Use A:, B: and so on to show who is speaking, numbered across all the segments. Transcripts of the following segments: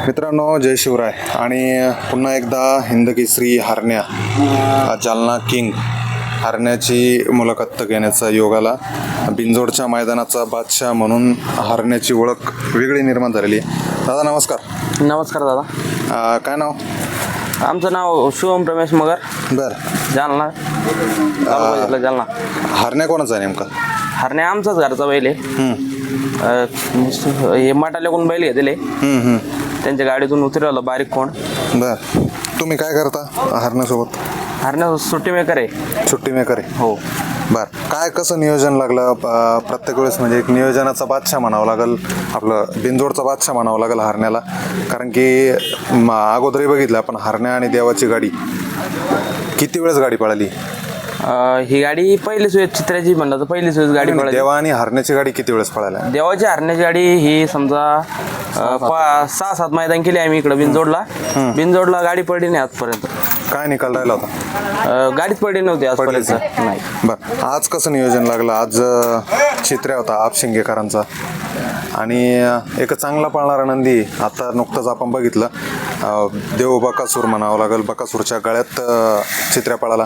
A: मित्रांनो, जय शिवराय. आणि पुन्हा एकदा हिंदकेसरी हरण्या, जालना किंग हरण्याची मुलाखत घेण्याचा योग आला. बिंजोडच्या मैदानाचा बादशाह म्हणून हरण्याची ओळख वेगळी निर्माण झालेली आहे. दादा नमस्कार.
B: नमस्कार दादा.
A: काय नाव?
B: आमचं नाव शुभम रमेश मगर,
A: बरं.
B: जालना, तालुका जिल्हा जालना.
A: हरण्या कोणाचा आहे नेमका?
B: हरण्या आमचाच घरचा बैल आहे. हे माटाल्याकडून बैल घेतले, त्यांच्या गाडीतून उतरवलं बारीक कोण.
A: बरं. तुम्ही काय करता हरण्यासोबत?
B: हरण्या सुट्टी मेकर आहे.
A: सुट्टी मेकर आहे?
B: हो.
A: बरं. काय कसं नियोजन लागलं? प्रत्येक वेळेस म्हणजे एक नियोजनाचा बादशाह म्हणावं लागेल, आपलं बिंजोडचा बादशाह म्हणावं लागेल हरण्याला. कारण की अगोदरही बघितलं आपण, हरण्या आणि देवाची गाडी किती वेळेस गाडी पळाली?
B: ही गाडी पहिली सोय चित्राची म्हणलं तर पहिली सोय गाडी पळाली.
A: देवा आणि हरण्याची गाडी किती वेळेस पळाल्या?
B: देवाची हरण्याची गाडी ही समजा 6-7 मैदान केली आम्ही इकडं बिनजोडला गाडी पडली नाही आजपर्यंत.
A: काय निकाल राहिला होता?
B: गाडीच पडली नव्हती आजपर्यंत. नाही.
A: बरं. आज कसं नियोजन लागलं? आज चित्र्या होता आपशिंगेकरांचा आणि एक चांगला पळणारा नंदी. आता नुकतंच आपण बघितलं, देव बकासूर म्हणावं लागेल, बकासूरच्या गळ्यात चित्र्या पळाला.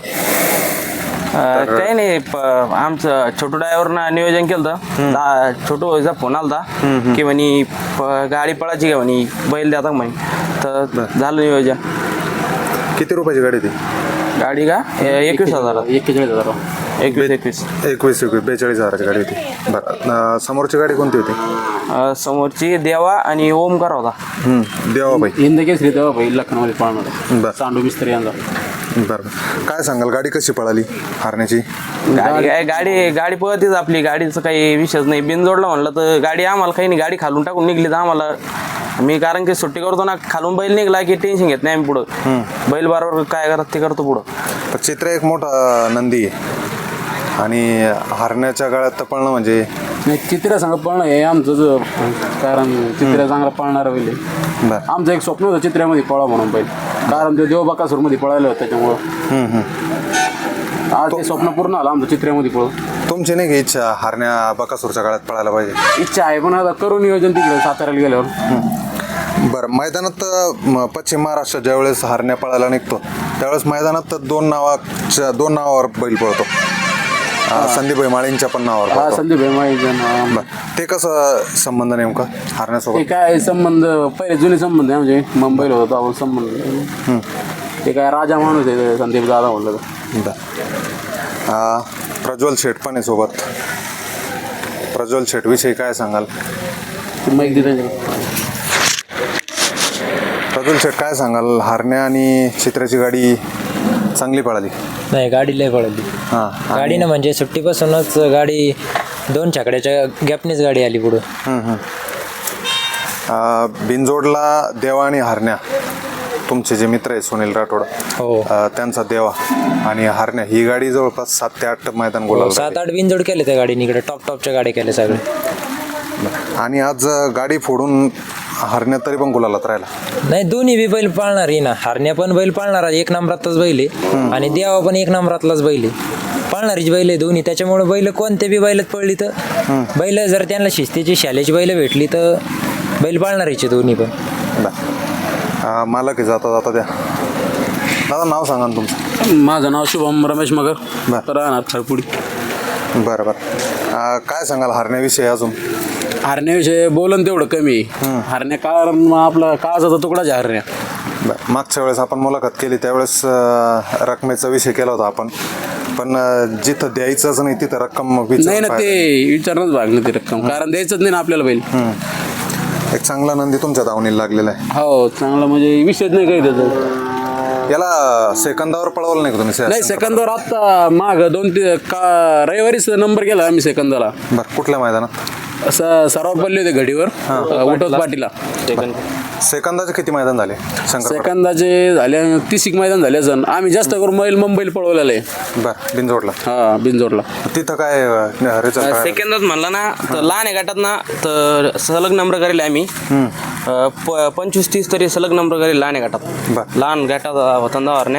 B: काही नाही, आमचं छोटू ड्रायव्हरनं नियोजन केलं होतं. छोटू व्हायचा फोन आला की म्हणे गाडी पळायची का म्हणे, बैल द्या म्हणे. तर झालं नियोजन.
A: किती रुपयाची गाडी ती?
B: गाडी का 21,000.
C: 41,000.
B: 21.
A: 42,000ची गाडी होती. बरं. समोरची गाडी कोणती होती?
B: समोरची देवा आणि ओमकार होता.
A: देवाबाई.
C: हिंदकेसरी तेव्हा बैल लखनौमध्ये पाळणार.
A: बरं.
C: सांडू मिस्त्री यांचा.
A: बरं. काय सांगाल, गाडी कशी पळाली हरण्याची?
B: गाडी पळतीच आपली, गाडीचं काही विषयच नाही. बिनजोडला म्हणलं तर गाडी आम्हाला काही नाही, गाडी खालून टाकून निघली तर आम्हाला, मी कारण की सुट्टी करतो ना, खालून बैल निघला की टेन्शन घेत नाही आम्ही पुढं. बैल बरोबर काय करत ते करतो पुढं.
A: चित्र एक मोठा नंदी आहे आणि हरण्याच्या गळ्यात तर पळणं म्हणजे
C: नाही, चित्र्या सांगा पळणं हे आमचं कारण चित्र्या चांगला पळणारा बैल आहे.
A: बरं.
C: आमचं एक स्वप्न होतं चित्र्यामध्ये पळा म्हणून बैल, कारण ते देवबाकासूरमध्ये पळायला होतं त्याच्यामुळं आज ते स्वप्न पूर्ण आलं आमचं चित्र्यामध्ये पळून.
A: तुमची नाही की इच्छा हरण्या बकासूरच्या गळ्यात पळायला पाहिजे?
C: इच्छा आहे, पण आता करू नियोजन तिकडे साताऱ्याला गेल्यावर.
A: बरं. मैदानात पश्चिम महाराष्ट्रात ज्यावेळेस हरण्या पळायला निघतो त्यावेळेस मैदानात दोन नावावर बैल पळतो. संदीप माळींच्या पण नावावर
C: हा,
A: पळतो.
C: संदीप
A: बरं. ते कसं संबंध नेमका हरण्यासोबत?
C: ते काय संबंध, पहिले जुने संबंध आहे, म्हणजे मुंबईला होता आपण संबंध. ते काय राजा माणूस आहे संदीप दादा म्हणलं तर.
A: बरं. प्रज्वल शेठ पण आहे सोबत. प्रज्वल शेठ विषयी काय सांगाल?
C: माहिती देते.
A: प्रज्वल शेठ काय सांगाल, हरण्या आणि चित्र्याची गाडी चांगली पळाली?
D: नाही, गाडी लय पळाली.
A: हां.
D: गाडीनं म्हणजे सुट्टीपासूनच गाडी 2 छकड्याच्या गॅपनीच गाडी आली पुढं.
A: बिनजोडला देवा आणि हरण्या, तुमचे जे मित्र आहे सुनील राठोड,
D: हो.
A: त्यांचा देवा आणि हरण्या, ही गाडी जवळपास 7 ते 8 मैदान गोलाला.
D: 7-8 बिनजोड केले त्या गाडीने, इकडे टॉपच्या गाड्या केल्या सगळे.
A: आणि आज गाडी फोडून हरण्या तरी पण गुलालात राहिला.
D: नाही, दोन्ही बी बैल पाळणार आहे ना. हरण्या पण बैल पाळणारा 1 नंबरातलाच बैल आहे आणि देवा पण 1 नंबरातलाच बैल आहे. पाळणारीच बैल आहे दोन्ही. त्याच्यामुळे बैल कोणत्या बी बैलात पडली तर बैल, जर त्यांना शिस्तीची शालेची बैल भेटली तर बैल पाळणारीचे दोन्ही पण.
A: मला की जाता द्या. दादा नाव सांगा ना तुमचं?
C: माझं नाव शुभम रमेश मगर, राहणार खरपुडी.
A: बरं बरं. काय सांगाल हरण्याविषयी अजून?
C: हरण्याविषयी बोलन तेवढं कमी आहे. हरण्या कारण आपला काळाचा तुकडाच आहे हरण्या.
A: बरं. मागच्या वेळेस आपण मुलाखत केली त्यावेळेस रकमेचा विषय केला होता आपण, पण जिथं द्यायचंच नाही तिथं रक्कम
C: नाही ना, ते विचारणंच भाग नाही ते रक्कम, कारण द्यायचंच नाही ना आपल्याला बैल.
A: एक चांगला नंदी तुमच्या दावणीला लागलेला आहे.
C: हो, चांगला म्हणजे विषयच नाही काही त्याचं.
A: याला सेकंदावर पळवलं नाही का तुम्ही?
C: नाही, सेकंदावर आत्ता माग 2-3 रविवारीच नंबर गेला आम्ही सेकंदाला.
A: बरं. कुठल्या मैदानात?
C: असं सराव पडले होते घडीवर उठत पाटीला.
A: सेकंदाचे किती मैदान झाले?
C: सेकंदाचे झाले 30 मैदान झाले जण. आम्ही जास्त करून मुंबईला पळवलेलं आहे.
A: बरं. बिनजोडला?
C: हा, बिनजोडला.
A: तिथं काय रिझल्ट?
B: सेकंदात म्हणलं ना तर लहान आहे गटात ना, तर सलग नंबर करेल आम्ही 25-30 तरी सलग नंबर करेल लहान आहे गटात. लहान गटात होता हरण्या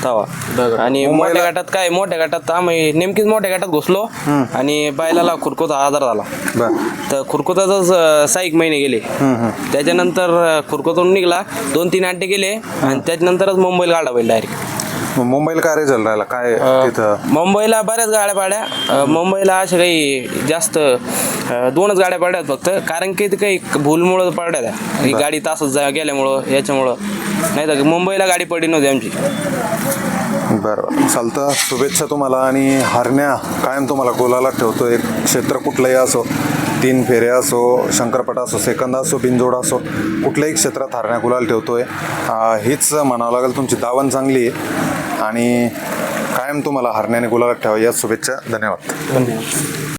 B: तवा आणि मोठ्या गटात काय मोठ्या गटात आम्ही नेमकीच मोठ्या गटात घुसलो आणि बैलाला खुरकुचा आजार झाला.
A: बर
B: तर खुरकुताच 6 महिने गेले. त्याच्यानंतर खुरकुतून निघला 2-3 अड्डे गेले आणि त्याच्यानंतरच मुंबईला गाडा बैल डायरेक्ट.
A: मग मुंबईला काय रिझल्ट राहिला काय तिथं?
B: मुंबईला बऱ्याच गाड्या पाड्या. मुंबईला अशा काही जास्त 2च गाड्या पाड्यात फक्त, कारण की ते काही भूलमुळं पडल्या त्या. ही गाडी तासच गेल्यामुळं याच्यामुळं, नाही तर मुंबईला गाडी पडली नव्हती आमची.
A: बरं चालतं. शुभेच्छा तुम्हाला. आणि हरण्या कायम तुम्हाला गोलाला ठेवतो. एक क्षेत्र कुठलंही असो, 3 फेऱ्या असो, शंकरपट असो, सेकंद असो, बिनजोड असो, कुठल्याही क्षेत्रात हरण्या गुलाल ठेवतोय. हीच म्हणावं लागेल. तुमची दावण चांगली आहे आणि कायम तुम्हाला हरण्याने गुलालात ठेवा. या शुभेच्छा. धन्यवाद.